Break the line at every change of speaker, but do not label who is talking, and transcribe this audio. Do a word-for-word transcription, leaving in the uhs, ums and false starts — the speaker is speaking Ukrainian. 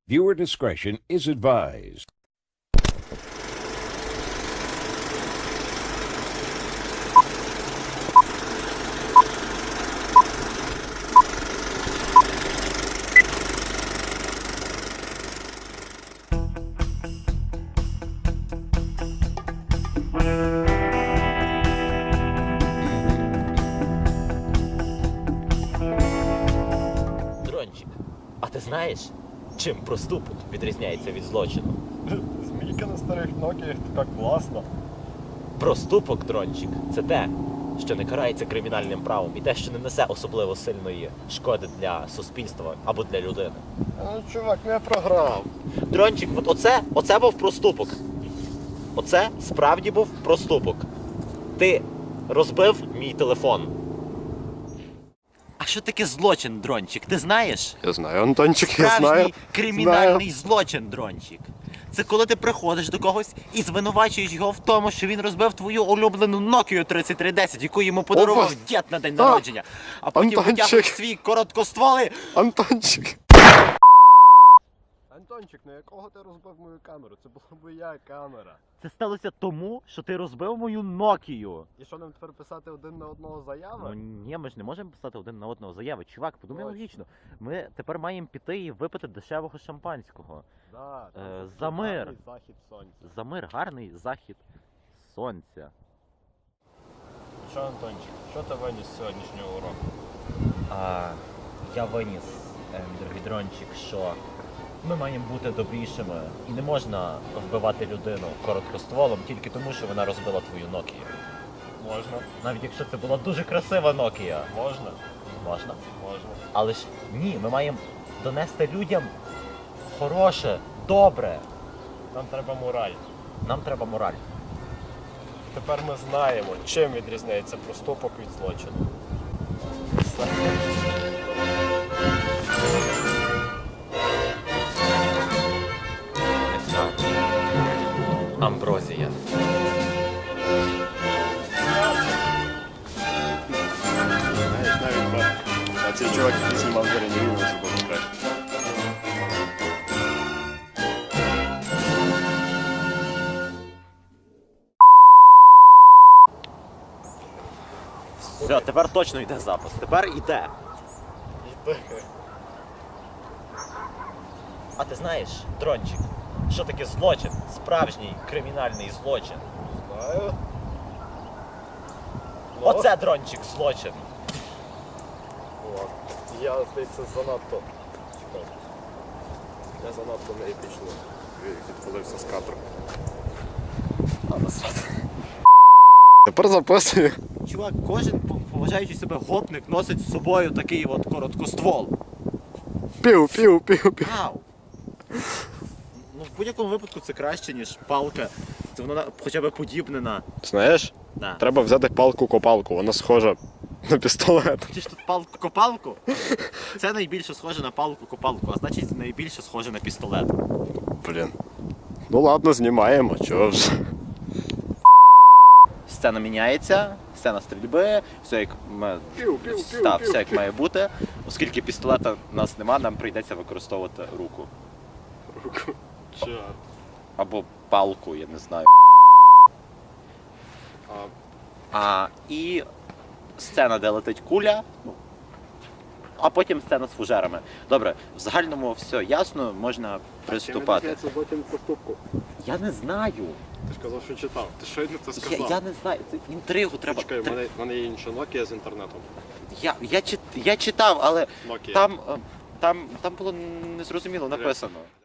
Viewer discretion is advised.
Дрончик, а ти знаєш, чим проступок відрізняється від злочину?
Змійка на старих Nokia, така класна.
Проступок, Дрончик, це те, що не карається кримінальним правом і те, що не несе особливо сильної шкоди для суспільства або для людини.
Ну, чувак, я програв.
Дрончик, от оце, оце був проступок. Оце справді був проступок. Ти розбив мій телефон. А що таке злочин, Дрончик, ти знаєш?
Я знаю, Антончик, я
Справжній
знаю.
кримінальний злочин, Дрончик. Це коли ти приходиш до когось і звинувачуєш його в тому, що він розбив твою улюблену Nokia тридцять три десять, яку йому подарував
Опа.
дід на день
А,
народження. А потім
Антончик.
витягуєш свій короткостволий.
Антончик. Антончик, на якого ти розбив мою камеру? Це була моя камера.
Це сталося тому, що ти розбив мою Nokia.
І що нам тепер писати один на одного заяви?
Ну ні, ми ж не можемо писати один на одного заяви. Чувак, подумай
Точно.
логічно. Ми тепер маємо піти і випити дешевого шампанського.
Да, там
Е,
такий
за мир.
гарний захід сонця.
За мир, гарний захід сонця.
Що, Антончик, що ти виніс з сьогоднішнього уроку?
А, я виніс, е, мій дорогий Дрончик, що ми маємо бути добрішими і не можна вбивати людину короткостволом тільки тому, що вона розбила твою Nokia.
Можна,
Навіть якщо це була дуже красива Nokia.
можна,
Можна.
можна.
Але ж ні, ми маємо донести людям хороше, добре.
Нам треба мораль.
Нам треба мораль.
Тепер ми знаємо, чим відрізняється проступок від злочину.
Амброзія.
Знаєш, навіть ба- а цей чувак, який знімав зоряні війни, забув краще.
Все, тепер точно йде запис. Тепер йде. А ти знаєш, Дрончик, що таке злочин? Справжній кримінальний злочин.
Знаю. Ну,
Оце, Дрончик, злочин.
от. Я, здається, занадто. Чекай. Я занадто не епічно відхилився з кадру. А, насрати. Тепер записую.
Чувак, кожен поважаючи себе гопник носить з собою такий от короткоствол.
Пів, пів, пів, пів.
Ау! Ну, в будь-якому випадку це краще, ніж палка. Це вона хоча б подібне на...
Знаєш,
Да.
треба взяти палку-копалку, вона схожа на пістолет.
Чи ж тут палку-копалку? Це найбільше схоже на палку-копалку, а значить найбільше схоже на пістолет.
Блін. Ну ладно, знімаємо, чого ж.
Сцена міняється, сцена стрільби, все як, ма-
Пів, пів, пів,
та,
пів,
все як
пів.
має бути. Оскільки пістолета в нас нема, нам прийдеться використовувати руку.
Руку. Чорт.
Або палку, я не знаю.
А,
А, і сцена, де летить куля, ну, а потім сцена з фужерами. Добре, в загальному все ясно, можна приступати.
Це злочин проступку.
Я не знаю.
Ти ж казав, що читав. Ти щойно це
Я,
сказав.
я не знаю. Це інтригу треба.
Чекай, в мене, в мене є інша Nokia з інтернетом.
Я, я, чит... я читав, але
Nokia.
там, е, там, там було незрозуміло написано.